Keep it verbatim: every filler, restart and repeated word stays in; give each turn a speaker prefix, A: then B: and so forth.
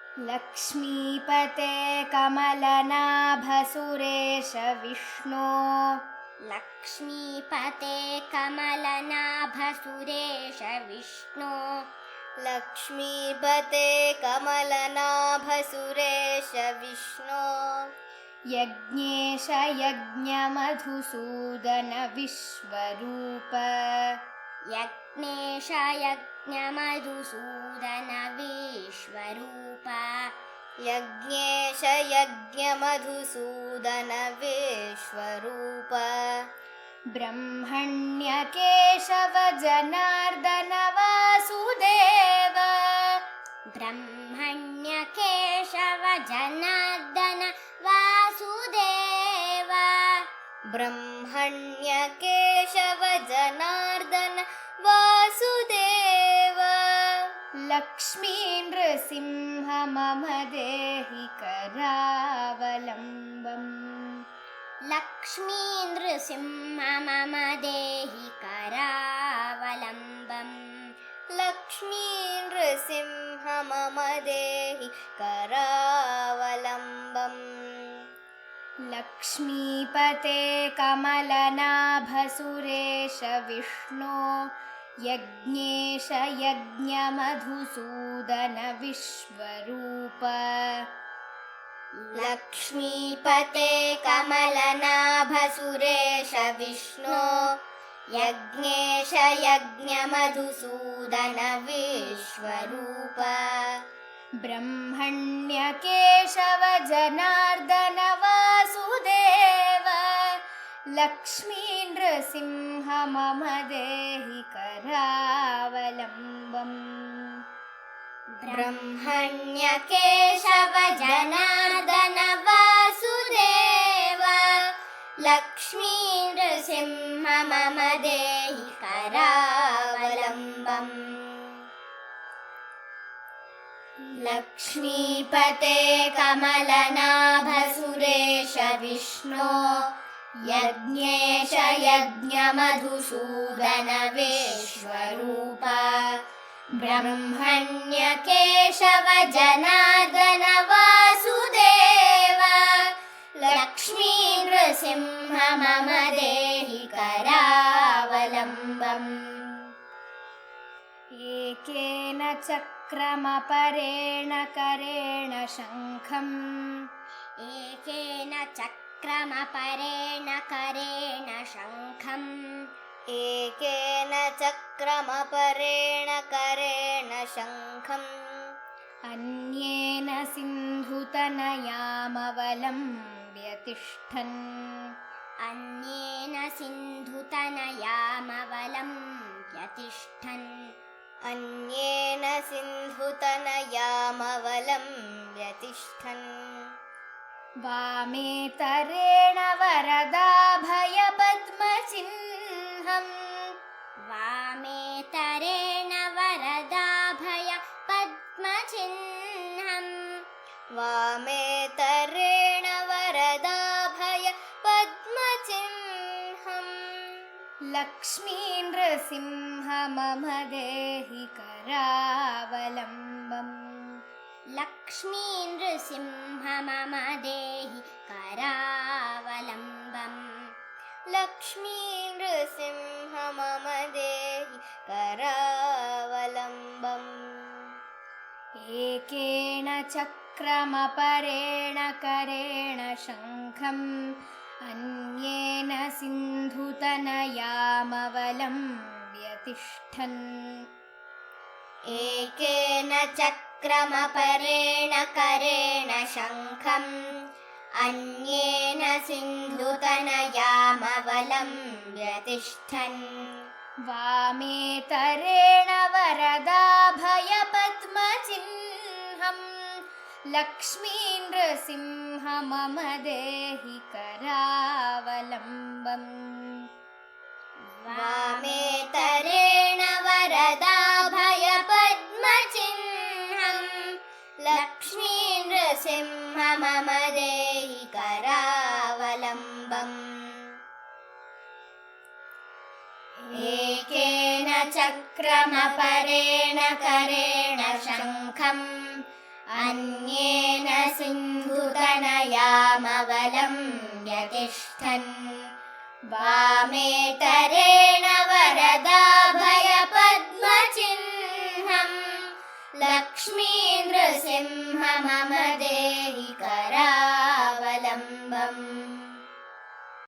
A: लक्ष्मीपते कमलनाभ सुरेश विष्णो
B: लक्ष्मीपते कमलनाभ सुरेश विष्णो
C: लक्ष्मीपते कमलनाभ सुरेश विष्णो
A: यज्ञेश यज्ञमधुसूदन विश्वरूप
B: यज्ञेश यज्ञमधुसूदन विश्वरूप
C: यज्ञेश यज्ञमधुसूदन विश्वरूप
A: ब्रह्मण्यकेशव जनार्दन वासुदेव
B: ब्रह्मण्यकेशव जनार्दन वासुदेव
C: ब्रह्मण्यकेशव जनार्दन वासुदेव
A: लक्ष्मी नृसिंह मम देहि करावलम्बम्
B: लक्ष्मी नृसिंह मम देहि करावलम्बम्
C: लक्ष्मी नृसिंह मम देहि करावलम्बम्
A: लक्ष्मीपते कमलनाभ सुरेश विष्णो यज्ञेश यज्ञमधुसूदन विश्वरूप
C: लक्ष्मीपते कमलनाभ सुरेश विष्णो यज्ञेश यज्ञमधुसूदन विश्वरूप
A: ब्रह्मण्यकेशव जनार्दन वासुदेव लक्ष्मी नृसिंह मम देहि करावलम्बम्
B: ब्रह्मण्यकेशव जनार्दन वासुदेव लक्ष्मी नृसिंह मम देहि करावलम्बम् लक्ष्मीपते कमलनाभ सुरेश विष्णो यज्ञेश यज्ञमधुसूदन विश्वरूप ब्रह्मण्यकेशव जनार्दन वासुदेव लक्ष्मी नृसिंह मम देहि करावलम्बम्
A: एकेन चक्रमपरेण करेण शङ्खम्
B: एकेन चक्रमपरेण करेण शङ्खम्
C: एकेन चक्रमपरेण करेण शङ्खम्
A: अन्येन सिन्धुतनयामवलम्ब्य तिष्ठन्
B: अन्येन सिन्धुतनयामवलम्ब्य तिष्ठन्
C: अन्येन सिन्धुतनयामवलम्ब्य तिष्ठन्
A: वामेतरेण वरदाभयपद्मचिह्नम्
B: वामेतरेण वरदाभय पद्मचिह्नम्
C: वामेतरेण वरदाभय पद्मचिह्नम्
A: लक्ष्मी नृसिंह मम देहि करावलम्बम्
B: लक्ष्मी नृसिंह मम देहि करावलम्बम्
C: लक्ष्मी नृसिंह मम देहि करावलम्बम्
A: एकेन चक्रमपरेण करेण शङ्खम् अन्येन सिन्धुतनयामवलम्ब्य तिष्ठन्
B: एकेन चक्रमपरेण करेण शङ्खम् अन्येन सिन्धुतनयामवलम्ब्य तिष्ठन्
A: वामेतरेण वरदाभयपद्मचिह्नम् लक्ष्मी नृसिंह मम देहि करावलम्बम्
B: वामेतरेण वरदाभय पद्मचिह्नम् लक्ष्मी नृसिंह मम देहि करावलम्बम् एकेन चक्रमपरेण करेण शङ्खम् अन्येन सिन्धुतनयामवलम्ब्य तिष्ठन् वामेतरेण वरदाभयपद्मचिह्नं लक्ष्मी नृसिंह मम